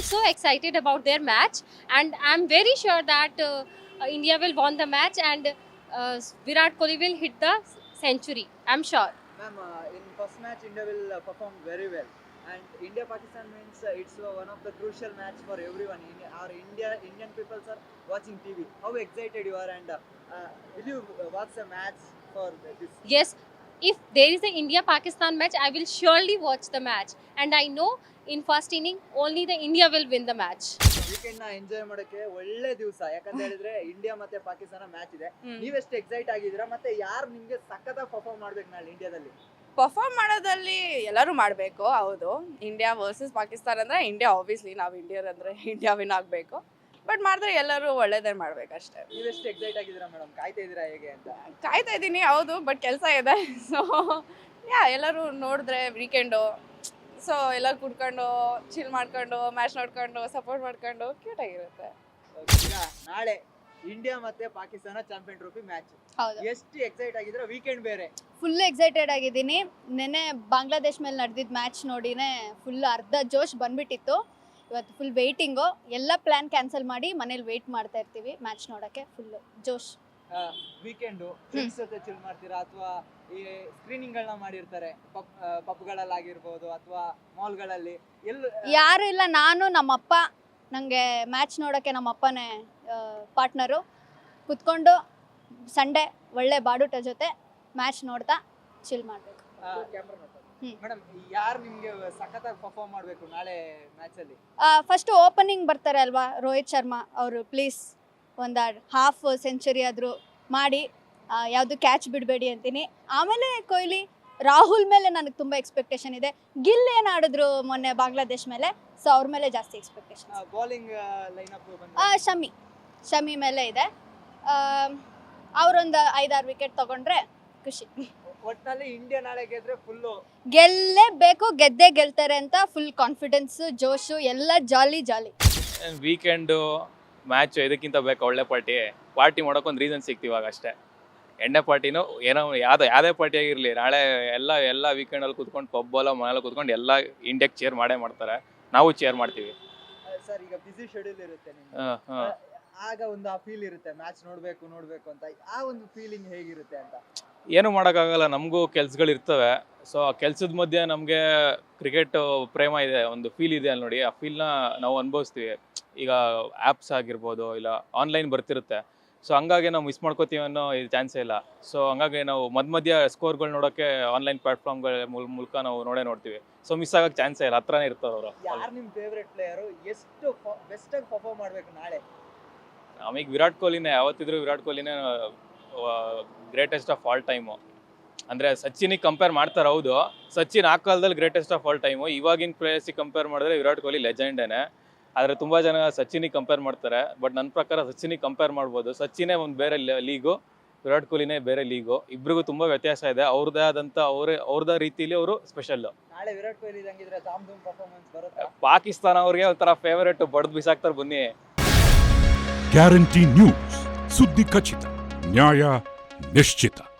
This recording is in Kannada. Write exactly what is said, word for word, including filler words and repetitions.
so excited about their match, and I'm very sure that uh, uh, India will won the match, and uh, Virat Kohli will hit the century. I'm sure. Ma'am, uh, in first match India will uh, perform very well, and India Pakistan means uh, it's uh, one of the crucial match for everyone. In our India Indian people are watching T V. How excited you are, and uh, uh, will you uh, watch the match for this? Yes, if there is a India Pakistan match, I will surely watch the match, and I know in first inning only the India will win the match. Weekend ನ ಎಂಜಾಯ್ ಮಾಡೋಕೆ ಒಳ್ಳೆ ದಿವಸ, ಯಾಕಂತ ಹೇಳಿದ್ರೆ ಇಂಡಿಯಾ ಮತ್ತೆ ಪಾಕಿಸ್ತಾನ ಮ್ಯಾಚ್ ಇದೆ. ಹ್ಮ್. ನೀವೆಷ್ಟು ಎಕ್ಸೈಟ್ ಆಗಿದ್ದೀರಾ, ಮತ್ತೆ ಯಾರು ನಿಮ್ಗೆ ಸಖತ್ತಾಗಿ ಪರ್ಫಾರ್ಮ್ ಮಾಡ್ಬೇಕು ನಾಳೆ ಇಂಡಿಯಾದಲ್ಲಿ? ಪರ್ಫಾರ್ಮ್ ಮಾಡೋದಲ್ಲಿ ಎಲ್ಲರೂ ಮಾಡಬೇಕು. ಹೌದು, ಇಂಡಿಯಾ ವರ್ಸಸ್ ಪಾಕಿಸ್ತಾನ ಅಂದರೆ ಇಂಡಿಯಾ, ಆಬ್ವಿಯಸ್ಲಿ ನಾವು ಇಂಡಿಯರ್ ಅಂದರೆ ಇಂಡಿಯಾ ವಿನ್ ಆಗಬೇಕು. ಬಟ್ ಮಾಡಿದ್ರೆ ಎಲ್ಲರೂ ಒಳ್ಳೇದೇ ಮಾಡ್ಬೇಕಷ್ಟೇ. ನೀವೆಷ್ಟು ಎಕ್ಸೈಟ್ ಆಗಿದ್ದೀರಾ ಮೇಡಮ್? ಕಾಯ್ತಾ ಇದ್ದೀರಾ ಹೇಗೆ ಅಂತ? ಕಾಯ್ತಾ ಇದ್ದೀನಿ, ಹೌದು, ಬಟ್ ಕೆಲಸ ಇದೆ. ಸೊ ಯಾ ಎಲ್ಲರೂ ನೋಡಿದ್ರೆ ವೀಕೆಂಡು, ಸೊ ಎಲ್ಲ ಕುಡ್ಕೊಂಡು ಚಿಲ್ ಮಾಡ್ಕೊಂಡು ಮ್ಯಾಚ್ ನೋಡ್ಕೊಂಡು ಸಪೋರ್ಟ್ ಮಾಡ್ಕೊಂಡು ಕ್ಯೂಟ್ ಆಗಿರುತ್ತೆ. ಈಗ ನಾಳೆ ಇಂಡಿಯಾ ಮತ್ತೆ ಪಾಕಿಸ್ತಾನ ಚಾಂಪಿಯನ್ ಟ್ರೋಫಿ ಮ್ಯಾಚ್, ಹೌದು, ಎಷ್ಟು ಎಕ್ಸೈಟ್ ಆಗಿದ್ದೀರಾ? ವೀಕೆಂಡ್ ಬೇರೆ. ಫುಲ್ ಎಕ್ಸೈಟೆಡ್ ಆಗಿದ್ದೀನಿ. ನೆನ್ನೆ ಬಾಂಗ್ಲಾದೇಶ್ ಮೇಲೆ ನಡೆದಿದ್ದ ಮ್ಯಾಚ್ ನೋಡಿನೇ ಫುಲ್ ಅರ್ಧ ಜೋಶ್ ಬಂದ್ಬಿಟ್ಟಿತ್ತು. ಇವತ್ತು ಫುಲ್ ವೆಯ್ಟಿಂಗು, ಎಲ್ಲ ಪ್ಲ್ಯಾನ್ ಕ್ಯಾನ್ಸಲ್ ಮಾಡಿ ಮನೇಲಿ ವೆಯ್ಟ್ ಮಾಡ್ತಾ ಇರ್ತೀವಿ ಮ್ಯಾಚ್ ನೋಡೋಕ್ಕೆ. ಫುಲ್ ಜೋಶ್. ವೀಕೆಂಡು ಫ್ರೆಂಡ್ಸ್ ಜೊತೆ ಚಿಲ್ ಮಾಡ್ತೀರಾ, ಅಥವಾ ಈ ಸ್ಕ್ರೀನಿಂಗ್ ಗಳನ್ನ ಮಾಡಿರ್ತಾರೆ ಪಬ್ ಪಬ್ಗಳಲ್ಲಿ ಆಗಿರ್ಬೋದು ಅಥವಾ ಮಾಲ್ಗಳಲ್ಲಿ, ಎಲ್ಲ ಯಾರು ಇಲ್ಲ, ನಾನು ನಮ್ಮಪ್ಪ, ನನಗೆ ಮ್ಯಾಚ್ ನೋಡೋಕ್ಕೆ ನಮ್ಮಪ್ಪನೇ ಪಾರ್ಟ್ನರು. ಕುತ್ಕೊಂಡು ಸಂಡೇ ಒಳ್ಳೆ ಬಾಡೂಟ ಜೊತೆ ಮ್ಯಾಚ್ ನೋಡ್ತಾ ಚಿಲ್ ಮಾಡಬೇಕು. ಹ್ಮ್. ಮೇಡಮ್, ಯಾರು ನಿಮ್ಗೆ ಸಖತ್ತಾಗಿ ಪರ್ಫಾರ್ಮ್ ಮಾಡಬೇಕು ನಾಳೆ ಮ್ಯಾಚ್ ಅಲ್ಲಿ? ಫಸ್ಟು ಓಪನಿಂಗ್ ಬರ್ತಾರೆ ಅಲ್ವಾ, ರೋಹಿತ್ ಶರ್ಮಾ ಅವರು, ಪ್ಲೀಸ್ ಒಂದು ಹಾಫ್ ಸೆಂಚುರಿ ಆದರೂ ಮಾಡಿ, ಯಾವುದು ಕ್ಯಾಚ್ ಬಿಡಬೇಡಿ ಅಂತೀನಿ. ಆಮೇಲೆ ಕೊಹ್ಲಿ, ರಾಹುಲ್ ಮೇಲೆ ನನಗೆ ತುಂಬ ಎಕ್ಸ್ಪೆಕ್ಟೇಷನ್ ಇದೆ. ಗಿಲ್ ಏನು ಆಡಿದ್ರು ಮೊನ್ನೆ ಬಾಂಗ್ಲಾದೇಶ್ ಮೇಲೆ, ಸೊ ಅವ್ರ ಮೇಲೆ ಜಾಸ್ತಿ expectation. Bowling lineup Shami Shami ಮೇಲೆ ಇದೆ. ಅವರೊಂದು ಐದಾರು ವಿಕೆಟ್ ತಗೊಂಡ್ರೆ ಖುಷಿ. ಒಟ್ಟಿನಲ್ಲಿ ಇಂಡಿಯಾ ನಾಳೆ ಗೆದ್ರೆ ಫುಲ್ಲು ಗೆಲ್ಲೇಬೇಕು, ಗೆದ್ದೇ ಗೆಲ್ತಾರೆ ಅಂತ ಫುಲ್ ಕಾನ್ಫಿಡೆನ್ಸು, ಜೋಶು, ಎಲ್ಲ ಜಾಲಿ ಜಾಲಿ. ವೀಕೆಂಡು ಮ್ಯಾಚು ಇದಕ್ಕಿಂತ ಬೇಕು ಒಳ್ಳೆ ಪಾರ್ಟಿ. ಪಾರ್ಟಿ ಮಾಡೋಕ್ಕೊಂದು ರೀಸನ್ ಸಿಗ್ತಿವಾಗ ಅಷ್ಟೇ. ಎಣ್ಣೆ ಪಾರ್ಟಿನೂ ಏನೋ ಯಾವುದೋ ಯಾವುದೇ ಪಾರ್ಟಿ ಆಗಿರಲಿ, ನಾಳೆ ಎಲ್ಲ ಎಲ್ಲ ವೀಕೆಂಡಲ್ಲಿ ಕೂತ್ಕೊಂಡು ಪಬ್ಬಲ್ಲ ಮನೇಲಿ ಕೂತ್ಕೊಂಡು ಎಲ್ಲ ಇಂಡಿಯಾಕ್ಕೆ ಚೇರ್ ಮಾಡೇ ಮಾಡ್ತಾರೆ. ನಾವು ಚೇರ್ ಮಾಡ್ತೀವಿ. ಸರ್, ಈಗ ಬಿಸಿ ಶೆಡ್ಯೂಲ್ ಇರುತ್ತೆ ನಿಮ್ಗೆ, ಹಾಂ ಹಾಂ ಆಗ ಒಂದು ಆ ಫೀಲ್ ಇರುತ್ತೆ ಮ್ಯಾಚ್ ನೋಡ್ಬೇಕು ನೋಡ್ಬೇಕು ಅಂತ. ಆ ಒಂದು ಫೀಲಿಂಗ್ ಹೇಗಿರುತ್ತೆ ಅಂತ? ಏನೂ ಮಾಡೋಕ್ಕಾಗಲ್ಲ, ನಮಗೂ ಕೆಲ್ಸಗಳು ಇರ್ತವೆ. ಸೊ ಆ ಕೆಲಸದ ಮಧ್ಯೆ ನಮಗೆ ಕ್ರಿಕೆಟ್ ಪ್ರೇಮ ಇದೆ, ಒಂದು ಫೀಲ್ ಇದೆ ಅಲ್ಲಿ ನೋಡಿ. ಆ ಫೀಲ್ನ ನಾವು ಅನುಭವಿಸ್ತೀವಿ. ಈಗ ಆ್ಯಪ್ಸ್ ಆಗಿರ್ಬೋದು, ಇಲ್ಲ ಆನ್ಲೈನ್ ಬರ್ತಿರುತ್ತೆ. ಸೊ ಹಂಗಾಗಿ ನಾವು ಮಿಸ್ ಮಾಡ್ಕೋತೀವಿ ಅನ್ನೋ ಇದು ಚಾನ್ಸೇ ಇಲ್ಲ. ಸೊ ಹಂಗಾಗಿ ನಾವು ಮಧ್ಯ ಮಧ್ಯ ಸ್ಕೋರ್ಗಳು ನೋಡೋಕ್ಕೆ ಆನ್ಲೈನ್ ಪ್ಲಾಟ್ಫಾರ್ಮ್ಗಳ ಮೂಲಕ ನಾವು ನೋಡೇ ನೋಡ್ತೀವಿ. ಸೊ ಮಿಸ್ ಆಗೋಕ್ಕೆ ಚಾನ್ಸೇ ಇಲ್ಲ, ಹತ್ರನೇ ಇರ್ತಾರೆ ಅವರು. ಯಾರು ನಿಮ್ಮ ಫೇವ್ರೆಟ್ ಪ್ಲೇಯರು? ಎಷ್ಟು ಬೆಸ್ಟಾಗಿ ಪರ್ಫಾರ್ಮ್ ಮಾಡಬೇಕು ನಾಳೆ? ನಮಗೆ ವಿರಾಟ್ ಕೊಹ್ಲಿನೇ, ಯಾವತ್ತಿದ್ರು ವಿರಾಟ್ ಕೊಹ್ಲಿನೇ ಗ್ರೇಟೆಸ್ಟ್ ಆಫ್ ಆಲ್ ಟೈಮು. ಅಂದರೆ ಸಚಿನಿಗೆ ಕಂಪೇರ್ ಮಾಡ್ತಾರೆ, ಹೌದು. ಸಚಿನ್ ಆ ಕಾಲದಲ್ಲಿ ಗ್ರೇಟೆಸ್ಟ್ ಆಫ್ ಆಲ್ ಟೈಮು. ಇವಾಗಿನ ಪ್ಲೇಯರ್ಸಿಗೆ ಕಂಪೇರ್ ಮಾಡಿದ್ರೆ ವಿರಾಟ್ ಕೊಹ್ಲಿ ಲೆಜೆಂಡೇನೆ. ಆದರೆ ತುಂಬ ಜನ ಸಚಿನಿಗೆ ಕಂಪೇರ್ ಮಾಡ್ತಾರೆ. ಬಟ್ ನನ್ನ ಪ್ರಕಾರ ಸಚಿನಿಗೆ ಕಂಪೇರ್ ಮಾಡ್ಬೋದು. ಸಚಿನೇ ಒಂದು ಬೇರೆ ಲೀಗು, ವಿರಾಟ್ ಕೊಹ್ಲಿನೇ ಬೇರೆ ಲೀಗು. ಇಬ್ಬರಿಗೂ ತುಂಬ ವ್ಯತ್ಯಾಸ ಇದೆ. ಅವ್ರದ್ದೇ ಆದಂಥ ಅವರೇ ಅವ್ರದ್ದೇ ರೀತಿಯಲ್ಲಿ ಅವರು ಸ್ಪೆಷಲ್ಲು. ನಾಳೆ ವಿರಾಟ್ ಕೊಹ್ಲಿ ಇದಂಗಿದ್ರೆ ಧಾಮ್ ಧೂಮ್ ಪರ್ಫಾರ್ಮೆನ್ಸ್ ಬರುತ್ತೆ. ಪಾಕಿಸ್ತಾನ ಅವ್ರಿಗೆ ಒಂಥರ ಫೇವರೇಟ್, ಬಡ್ದು ಬಿಸಾಕ್ತಾರೆ ಬನ್ನಿ. ಗ್ಯಾರಂಟಿ ನ್ಯೂಸ್, ಸುದ್ದಿ ಖಚಿತ, ನ್ಯಾಯ ನಿಶ್ಚಿತ.